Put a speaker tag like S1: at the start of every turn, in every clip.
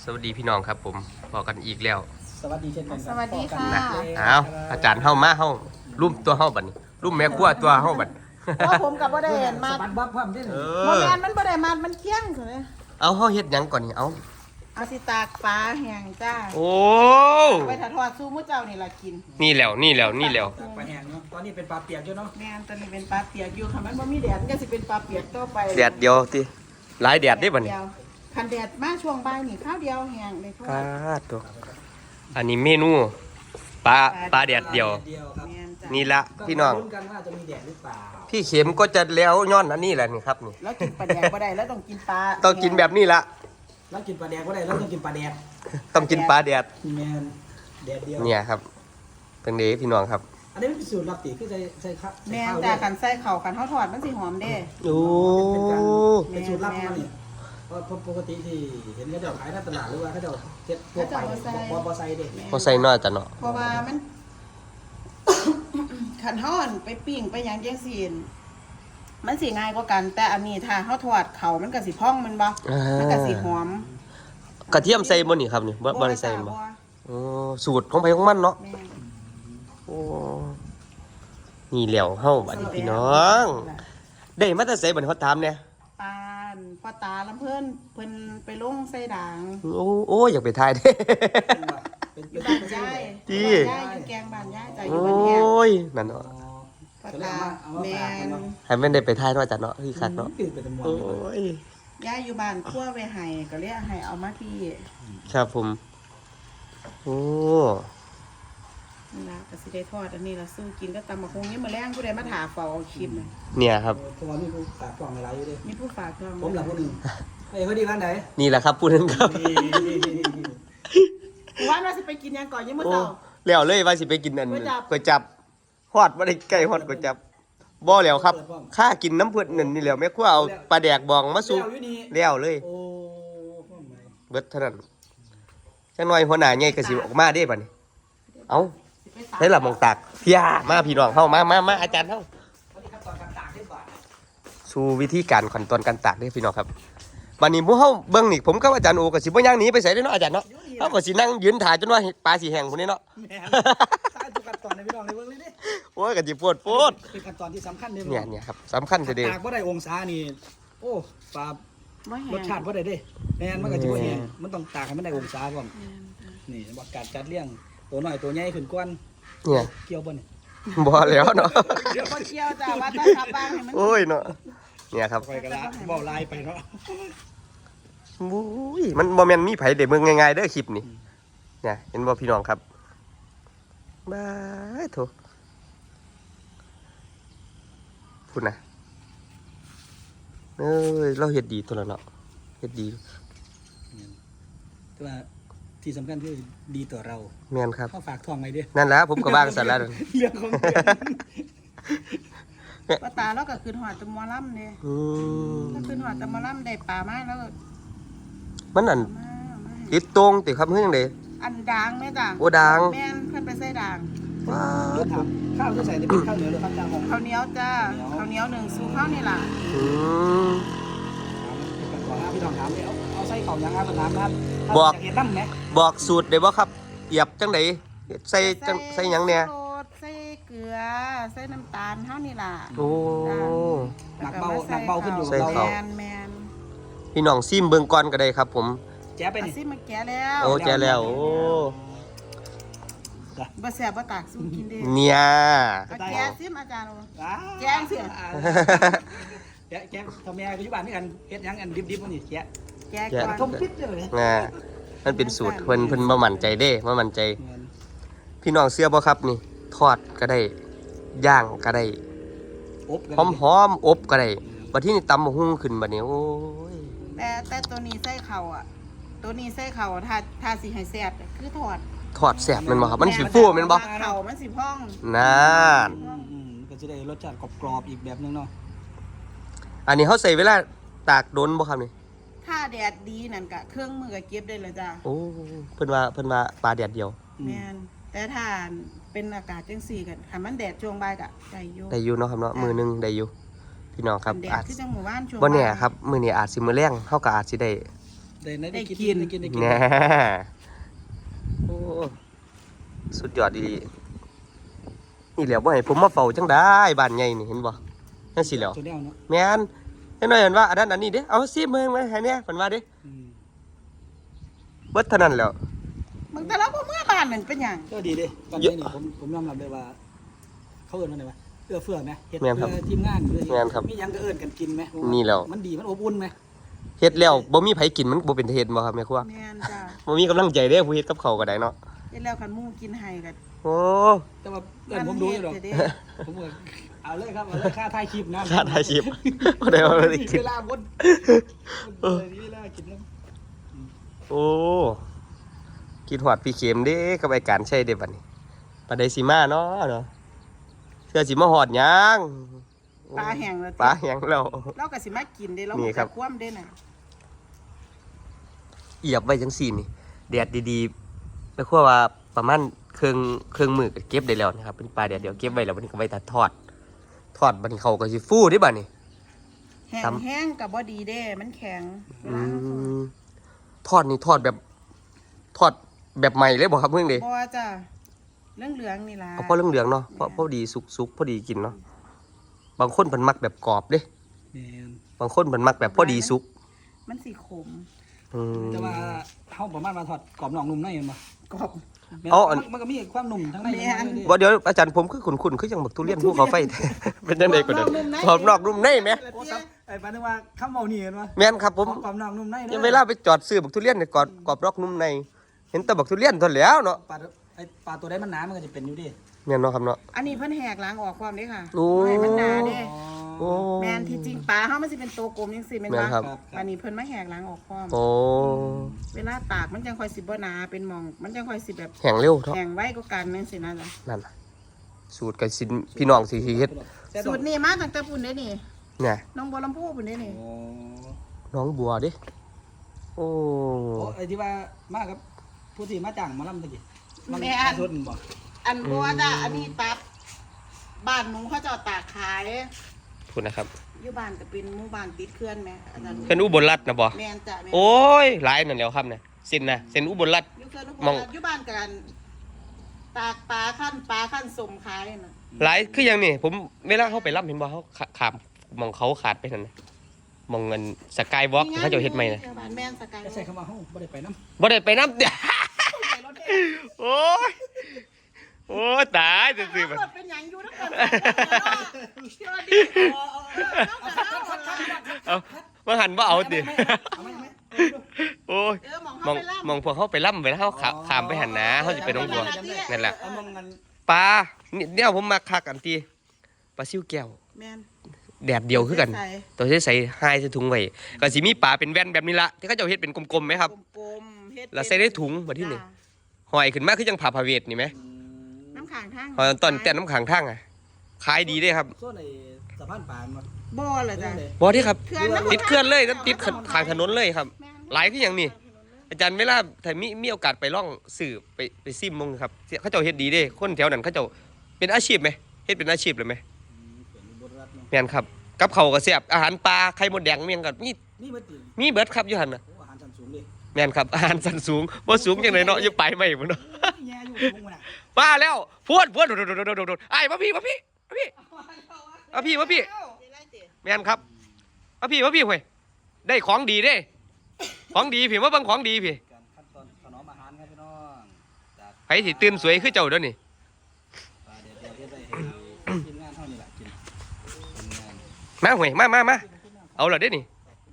S1: สวัสดีพี่น้องครับผมพอกันอีกแล้ว
S2: สวัสดีเช่นกัน
S3: สวัสดีค่ะ
S1: เอาอาจารย์เฮามาเฮารุ่มตัวเฮาบัดนี้รุ่มแม่ครัวตัวเฮาบัด
S3: เพราะผมกับบ่ได้เห็นมา
S2: สะบัดบับพร้อมได้
S1: เอ
S3: โม
S1: อ
S3: แมนมันบ่ได้มามันเที่ยงเถอะ
S1: เอาเฮาเฮ็ดหยังก่อนนี่เอา
S3: เอาสิตากปลาแห้งจ้า
S1: โอ้
S3: ไปถทอดสู้มื้อเจ้านี่ล่ะกิน
S1: นี่แล้วนี่แล้วนี่แล้ว
S2: ปลาแห้งเนาะตอนนี้เป็นปลาเปียกอยู่เนาะ
S3: แม่นตอนนี้เป็นปลาเปียกอยู่ค่ะมันบ่มีแดดมันก็สิเป็นปลาเปียกต่อไป
S1: แดดเดียวติหลายแดดได้บัดนี้
S3: เยวคันแดดมาช่วงบ่ายนี่ข้าวเดียวแห้งเลยทอ
S1: ปลา
S3: ด
S1: ตัวอันนี้เมนูปลาแดดเดียว
S2: เดียวครับ
S3: แม่นจ้ะ
S1: นี่ละพี่น้อง
S2: ลุ้นกันว่าจะมีแดดหรือเปล่า
S1: พี่เข็มก็จะแล้วย้อนอันนี้แหละนี่ครับนี่
S3: แล้วกินปลาแดกบ่ได้แล้วต้องกินปลา
S1: ต้องกินแบบนี้ละ
S2: แล้วกินปลาแดกก็ได้แล้วต้องกินปลาแดด
S1: ต้องกินปลาแดด
S2: แมนแดดเดียว
S1: เนี่ยครับเป็นเด้พี่น้องครับ
S2: อันนี้เป็นสูตรลับตีคือใส่ข้าว
S3: แม่น
S2: ข้าว
S3: จ้ะ
S2: ด้วย
S3: คันใส่ข้าวคันเฮาทอดมันสิหอมเด้
S1: โอ้
S2: เป็นสูตรลับมาเนี่ยเพราะปกติที่เห็นเขาจะขายในตลาดหรือว่าเขาจะเก็บทั่วไปบอใส่เด็ก
S1: พอใส่น้อยจ้ะเนาะ
S3: เพราะว่ามัน ขันห่อนไปปิ้งไปหยังจังซี่มันสิง่ายกว่ากัน แต่อันนี้ถ้าเฮาทอดเขามันก็สิพองมันบ่มันก็สิหอม
S1: กระเทียมใส่บ่นี่ครับนี่บ่ได้ใส่บ่โอ้สูตรของไผของมันเนาะ
S3: แม่น
S1: โอ้นี่แหล้วเฮาบัดนี้พี่น้อง ได้มาแต่ไสบัดนี้เขาถามเนี่ย
S3: ปานพ่อตาลำเพิ่นเพิ่นไปลงใส่ด่าง
S1: โอ้อยากไปทายเด้
S2: เป็น
S3: อยู่
S2: เป็น
S3: บ้านยาย
S1: จี้
S3: บ้านยายอยู่แกงบ้านยายจ้ะอ
S1: โอยู่
S3: บ้านแฮง้
S1: ยนั่นเนาะ
S3: พ่อตาแม่น
S1: ให้แม่นได้ไปทายเนาะจ้ะเนาะคือคักเนาะ
S2: ตื่นเป็นมวล
S1: โอ้ย
S3: ยายอยู่บ้านคั่วไว้ให้ก็เลยให้เอามาที่
S1: ครับผมโอ้
S3: นี่ล่ะก็สิได้ทอดอันนี้ล่ะสู้กินก็ตำบักหุ่งนี่มื้อแลงผู้ใดมาถาเฝ้าเอาคลิปน่ะ
S1: เนี่ยครับ
S2: เพราะว่ามีผู้ฝากกล่องอะไรอยู่ด้วย
S3: มีผู้ฝากจอง
S2: ผมหลับคนหนึ่งเฮ้ยพอดีวันไหน
S1: นี่แหละครับพูดถึงครับ
S3: ว่าเราสิไปกินหยังก่อนยังมื้อ
S1: โอ้
S3: เช้า
S1: แล้วเลยว่าสิไปกินอัน
S3: ก๋วยจั๊บ
S1: ก๋วยจั๊บฮอดบ่ได้ใกล้ฮอดก๋วยจั๊บบ่แล้วครับค่ากินน้ำเพิ่นนั่นนี่แหล้วแม่ครัวเอาปลาแดกบองมาสู่
S2: แล้วอยู่นี่
S1: แล้วเลย
S2: โอ้พ่อหมาย
S1: เบิดเท่านั้นจังหน่อยหัวหน้าใหญ่ก็สิออกมาเด้บัดนี้เอ้า
S3: สิไปตาก
S1: ได้ละหมองตากพี่ยามาพี่น้องเฮามาอาจารย์เฮา
S2: วันนี้ขั้นตอนการตากได้ก่อน
S1: สู่วิธีการขั้นตอนการตากเด้พี่น้องครับบัดนี้หมู่เฮาเบิ่งนี่ผมกับอาจารย์โอก็สิบ่ย่างหนีไปไสเด้เนาะอาจารย์เนาะเฮาก็สินั่งยืนถ่ายจนว่าปลาสิแห้งพุ่นนี่เนาะ
S2: แม่นตากทุกขั้นตอนในพี่น้องในเบื้องเลยดิ
S1: โอ้ยก็สิโพด
S2: เป็นขั้นตอนที่สำคัญเลย
S1: เนี่ยครับสำคัญเด้อ
S2: ตากว่าได้องศานี่โอ้ปลา
S3: บ่แห้
S2: รง สชาติว่าได้เด้แม่นมันก็จะบ่แห้งมันต้องตากให้มันได้องศาก่อนนี่บอกการจัดเลี้ยงตัวน้อยตัวใหญ่ขึ้นก่อน
S1: เนี่ย
S2: เกี่ยวบ่นี่
S1: บ่แล้วเนาะ
S3: เดี๋ยวบ่เกี่ยวจ้าว่าถ้าขับบ้างให้มัน
S1: โอ้ยเนาะเนี่ยครับ
S2: ไปกันละเว้าลายไปเนาะ
S1: บุ้ยมันบ่แม่นมีไผได้เบิ่งง่ายๆเด้อคลิปนี่เนี่ยเห็นบ่พี่น้องครับบายโถพูดนะเอ้ยเราเฮ็ดดีตัวละเนาะเฮ็ดดี
S2: แต่ว่าที่สำคัญคือดีต่อเรา
S1: แม่นครับ
S2: เข้าฝากทองไว้เด้อ
S1: นั่นแหละผมก็วางสั่นแล้ว
S2: เรื่องของเรื่อง
S3: ป้าตาแล้วก็คืนหอดแตะมอลำเด้
S1: อืม
S3: ถ้าคืนหอดแตะมอลำได้ปลามาแล้วก็
S1: มันอัน
S3: มาให้
S1: ติดตรงติครับเฮือจังได๋
S3: อันด่างไหมจ้ะ
S1: โอ้ด่าง
S3: แม่นเพิ่นไปใส่ด่าง
S1: ว้า
S2: เดี๋ยวถามข้าวที่ใส่ในเป็นข้าวเหนียวหรือข้าวเจ้าของ
S3: ข้าวเหนียวจ้าข้าวเหนียวหนึ่งสู่ข้าวนี่ล่ะ
S1: อืม
S2: ก่อนนะพี่น้องถามเลยเอาใส่ข้าวยังครับน้ำนะครับ
S1: บอก
S2: อยากเห็นน้ำไหม
S1: บอกสูตรได้บ่ครับเอียบจังไดใส่จังใส่หยังเนี่ย
S3: ใส่โรดใส่เกลือใส่น้ำตาลเท่านี่ล่ะ
S1: โอ้
S2: หนักเบาหนักเบาขึ้นอยู่
S1: ใส่
S2: เรา
S1: ข้าว
S3: แมน
S1: พี่น้องซิมเบิ่งก่อนก็ได้ครับผม
S2: แจ๊บไป
S3: อา
S2: นี่
S3: ซิมาแกะแล้ว
S1: โอ้แจแล้วโอ้
S3: บ่แซ่บบ่ตากสู้กินเด้
S1: เนี่ย
S3: เอาแกะซิมอาจารย์ แจ๊งสิ
S2: แจ๊แจ๊ทำแม่ปัจจุบันนี่กันเฮ็ดยังอันดิบๆพวกนี้แจ๊
S3: แกะก่อน
S2: ทมพิษเลย
S1: น่ะมันเป็นสูตรเพิ่นบ่มั่นใจเด้บ่มั่นใจ พี่น้องเชื่อบ่ครับนี่ ทอดก็ได้ย่างก็ได้
S2: อบกัน
S1: หอมๆอบก็ได้บัดทีนี้ตำบักหุ่งขึ้นบัดนี้โอ้ย
S3: แต่ตัวนี้ใส่เข่าอ่ะ ตัวนี้ใส่เข่าถ้าสิให้แซ่บคือทอด
S1: ทอดแซ่บแม่นบ่ครับมันสิฟูแม่นบ่
S3: เข่ามันสิพ่อง
S1: นั่น
S2: ก็จะได้รสชาติกรอบๆอีกแบบนึงเนาะ
S1: อันนี้เฮาใส่เวลาตากโดนบ่ครับนี่
S3: ถ้าแดดดีนั่นก็เครื่องมือก็เก็บได้เลยจ้ะ
S1: โอ้เพิ่นว่าปลาแดดเดียว
S3: แม่นแต่ถ้าเป็นอากาศจังซี่กันถ้ามันแดดช่วงบ่ายก็ได้อยู่
S1: ได้อยู่เนาะครับเนาะมือหนึงได้อยู่พี่น้องครับ
S3: แดด
S1: อาจ
S3: คือจังหมู่บ้านช่วง
S1: บ่แน่
S3: าย
S1: ครับมื้อนี้อาจสิมื้อแรงเฮาก็อาจสิได้
S2: ได้กิน
S1: นะโอ้สุดยอดดีนี่แหละว่าให้ผมมาเฝ้าจังได้บ้านใหญ่นี่เห็นบ่นั่นสิแล้ว
S2: ตัวแนวเนาะ
S1: แม่นให้หน่อยเห็นว่าอันนั้นอันนี้เด้เอาซิเมืองมาให้เนี่ยเพิ่นว่าเด้เบิดเท่านั้นแล้ว
S3: มึงแต่ละบ่เมื่อบ้านนั่นเป็นหยัง
S2: ก็ดีเด้ตอนนี้นี่ผมยอมรับเลยว่าเขาเอิ้นว่าไงวะเอื้อเฟื้อไหมเฮ็ดเพื่อทีมงานมีหยังก็เอิ้นกันกินไหมมันดีมันอบอุ่นไหม
S1: เฮ็ดแล้วบ่มีไผกินมันบ่เป็นเฮ็ดบ่ครับแม่ครัว
S3: แม่นจ้า
S1: บ่มีกำลังใจเด้ผู้เฮ็ดกับข้าวก็ได้เนาะ
S3: เฮ็ดแล้วคันหมู่กินให้ก็
S1: โอ้
S2: แต่ว่าเอิ้นผมดูอยู่ดอกผมก็เอาเลยครับเอาเลยค่าถ่ายคลิปนะ
S1: ค่าถ่ายคลิปบ่ได้ว่าได้กิน
S2: เวลาวนเวลากินแล้ว
S1: โอ้คิดฮอดพี่เข็มเด้กับไอ้การใช้เด้บัดนี้ปานใดสิมาเนาะเสื้อสิมาฮอดหยัง
S3: ปลาแห้งแล้ว
S1: ปลาแห้งแล้ว
S3: เราก็สิมากินเด้เรา
S1: นี่ครับ
S3: คว่ำเด้น่ะ
S1: เอียบไว้จังซี่นี่แดดดีๆแล้วคือว่าประมาณเครื่องมือก็เก็บได้แล้วนะครับเป็นปลาแดดเดียวเก็บไว้แล้ววันนี้ก็ไว้ตัดทอดบัดนี้เขาก็สิฟูเด้บัดนี้
S3: แห้งแห้งก็บ่ดีเด้มันแข็งเว
S1: อื
S3: ลาเราทอด
S1: มทอดแบบใหม่เลยบ่ครับเพิ่งเด้
S3: บ่จ้ะเหลืองๆนี่ล่ะ
S1: เอาพอเหลืองๆเนาะพอดีสุกพอดีกินเนาะบางคนเพิ่นมักแบบกรอบเด้
S2: แม่น
S1: บางคนเพิ่นมักแบบพอดีสุก
S3: มันสิขม
S1: อืม
S2: แต่ว่าเฮาประมาณมาทอดกรอบนอกนุ่มในเห็นบ่
S3: กรอบ
S2: มันก็มีความนุ่มทั้งใน
S1: บ่เดี๋ยวอาจารย์ผมคือคุ้นๆคือจังบักทุเรียนภูเขาไฟ เป็นจังได๋ก็ได้กรอบนอกนุ่มในแหม
S2: โอ้ครับไอ้ปานนึกว่าคำเว้านี่เห็นบ่
S1: แม่นครับผม
S2: กรอบนอกนุ่มใน
S1: ยังเวลาไปจอดซื้อบักทุเรียนเนี่ยกรอบนอกนุ่มในเห็นแต่บักทุเรียนเท่านั้นแหล้วเนาะ
S2: ปลาตัวใดมันหนามันก็จะเป็นอยู่ดิ
S1: แม่นเนาะครับเนาะ
S3: อันนี้เพิ่นแหกล้างออกความเด้ค่ะ
S1: โอ้
S3: บ่ให้มันหนาเด้
S1: โอ้
S3: แม่นที่จริงปลาเฮามันสิเป็นตัวกลมจังซี่แม่น
S1: แม่
S3: บ่
S1: นครับ
S3: อันนี้เพิ่นมาแหกล้างออกความ
S1: โอ้
S3: เวลาตากมันจังค่อยสิบ่หนาเป็นหม่อง มันจังค่อยสิแบบ
S1: แห้งเร็วเนาะ
S3: แห้งไว้กว่ากันจังซี่นะจ๊ะ
S1: นั่นน่ะสูตรกับสินพี่น้องสิเฮ็ด
S3: สูตรนี้มาตั้งแต่ปุ่นเด้นี่
S1: เนี่ย
S3: น้องบัวลำพูปุ่นเด้นี่
S2: โอ้
S1: น้องบัวเด้โอ้
S2: ไอ้ที่ว่ามากับผู้ที่มาจ้างมาลำตะกี้สุดบ่
S3: อันบัวจ้ะอันนี้ตับบ้านหนูเขาเจ้าตากขาย
S1: พูดนะครับ
S3: อยู่บ้านก็เป็นหมู่บ้านติดเขื่อนแม่อาจารย์
S1: เป็นอุบลรัตน์นะบ่
S3: แม่นจ้ะแม่น
S1: โอ้ยหลายนั่นแหล้วครับเนี่ยเส้นนะเส้นอุบลรัตน์
S3: อยู่เขื่อน
S1: มอง
S3: อยู่บ้านกันตากปลาขั้นสมขายน่ะ
S1: หลายคืออย่างนี้ผมเวลาเขาไปรับเห็นบ่เขาขามมองเขาขาดไปนั่นนะมองเงินสกายวอล์กเขาเจะเฮ็ดใหม่นะ
S3: บ้านแม่นสกาย
S2: ใส่คำว่าเฮาบ่ได้ไปนำ
S1: บ่ได้ไปน้ำเดี๋ยวโอ้ยโอ้ยตายจะซื้อมัน
S3: เป็นหยังอยู่นำกันสวัสดี
S1: เอามาหันว่าเอาดิโอ้ย
S3: มอง
S1: มอง
S3: เขาไปล่ำ
S1: มองพวกเขาไปล่ำไปแล้วเขาขามไปหันนะเขาจะไปน้องบัวนั่นแหละ
S2: เอามองกัน
S1: ปลาเนี่ยผมมาคักอันที่ปลาซิวแก้ว
S3: แม่น
S1: แดดเดียวคือกัน ตัวที่ใส่ไฮใส่ถุงไว้ก็สิมีปลาเป็นแว่นแบบนี้ละที่เขาเจะเฮ็ดเป็นกลมๆไหมครับ
S3: กลมๆเฮ็ด
S1: แล้วใส่ได้ถุงมาที่นี่หอยขึ้นมาคือจังผ่าพาเวทนี่ไหม
S3: น้ำขังทาง
S1: หอยตอนแต่น้ำขังทั้งอ่ะขายดีเด้ครับ
S2: ส่วนไอ้สะพานปานบ่
S3: บ่เหรอจ้ะ
S1: บ่ที่ครับ
S3: เขื่อนน้ำ
S1: ติดเคลื่อนเลยติดขางถนนเลยครับ
S3: แม่น
S1: หลายคืออย่างนี้อาจารย์เวลาถ้ามีโอกาสไปล่องสื่อไปซิมมงครับเขาเจ้าเฮ็ดดีเด้คนแถวนั้นเขาเจ้าเป็นอาชีพไหมเฮ็ดเป็นอาชีพเลยไหม
S2: เป็นบทรัฐเนาะ
S1: แม่นครับกับเขาวก็แซ่บอาหารปลาไข่มดแดงเมียงกับมี
S2: นี่บ่ติ
S1: มีเบิดครับอยู่หั่นน่ะ
S2: โอ้อาหารชั้นสูงเลย
S1: แม่นครับอาหารสันสูงบ่สูงจังไดเนาะอยู่ไปไม่พุ่นเนาะ
S2: แย่อยู่ตรงน่ะ
S1: มาแล้วพวดโดดไอ้มาพี่แม่นครับมาพี่เว้ยได้ของดีเด้ของดีพี่มาเบิ่งของดีพี่
S2: การขั้นตอนถนอมอาหารครับพี่น้องจาก
S1: ไผสิตื่นสวยคือเจ้าเด้อนี่
S2: ปลาเดี๋ยวเฮ็ดได้ให้ทีมงานเฮานี่ล่ะกินทีมงาน
S1: มาเว้ยมาเอาล่ะเด้นี่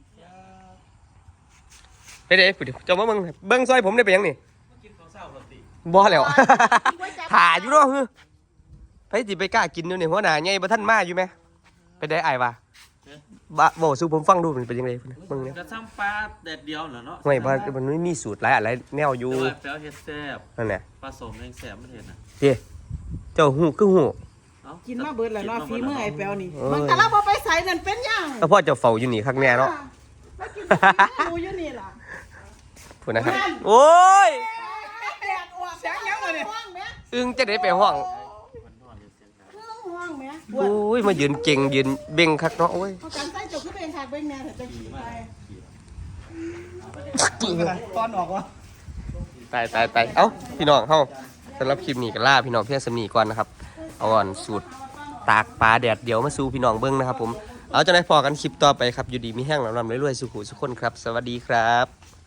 S1: เด้เจ้ามาเบิ่งซอยผมได้ไปยังนี่บ่แล้ว ถ่าอยู่เนาะฮึไผสิไปกล้ากินอยู่นี่หัวหน้าใหญ่บ่ทันมาอยู่แม่ไปได้อ้ายว่าบ่เว้าสู่ผมฟังดูมันเป็นจังได๋เบิ่งเนี่ย
S4: กระซ้ำปลาแดดเดียวเหรอเนาะ
S1: ห่วยบ่มันไม่มีสูตรหลายอะไรแนวอยู่
S4: แต่ว่าแปลวเฮ็ดแซ่บ
S1: นั่นแหละ
S4: ผสมแรงแซ่บไม่เห็นนะ
S1: เด้เจ้าฮู้คือฮู้
S4: เอ้า
S3: กินมาเบิดแล้วเนาะฝีมือไอ้แปวนี่
S1: เอ้ย
S3: มันแต่เราบ่ไปใส่นั่นเป็นหยัง
S1: แล้วพ่อเจ้าเฝ้าอยู่นี่คักแน่เนาะ
S3: มากินดูอยู่นี่ล่ะ
S1: พูดนะครับโอ้ย
S3: แดดออกเสียงยังวะเนี่ยห้องแม่
S1: อึ้งจะได้ไปห้อง
S4: มันนอนอยู่เสียงดัง
S3: เครื่องห้องแม่
S1: โอ้ยมายืนเก่งยืนเบ่งคักเนาะโอ้ย
S3: เขากันใส่จบขึ้นเป็นฉากเบ่งแม่เถอะจะขี่ไป
S2: ตอนออกวะ
S1: ตายเอ้าพี่น้องเฮาสำหรับคลิปนี้ก็ล่าพี่น้องเพียงสำนีก่อนนะครับเอาก่อนสูตรตากปลาแดดเดี๋ยวมาสู่พี่น้องเบิ้งนะครับผมเอาจะได้พอกันคลิปต่อไปครับอยู่ดีมีแห้งลำๆรวยๆสุขุสุขคนครับสวัสดีครับ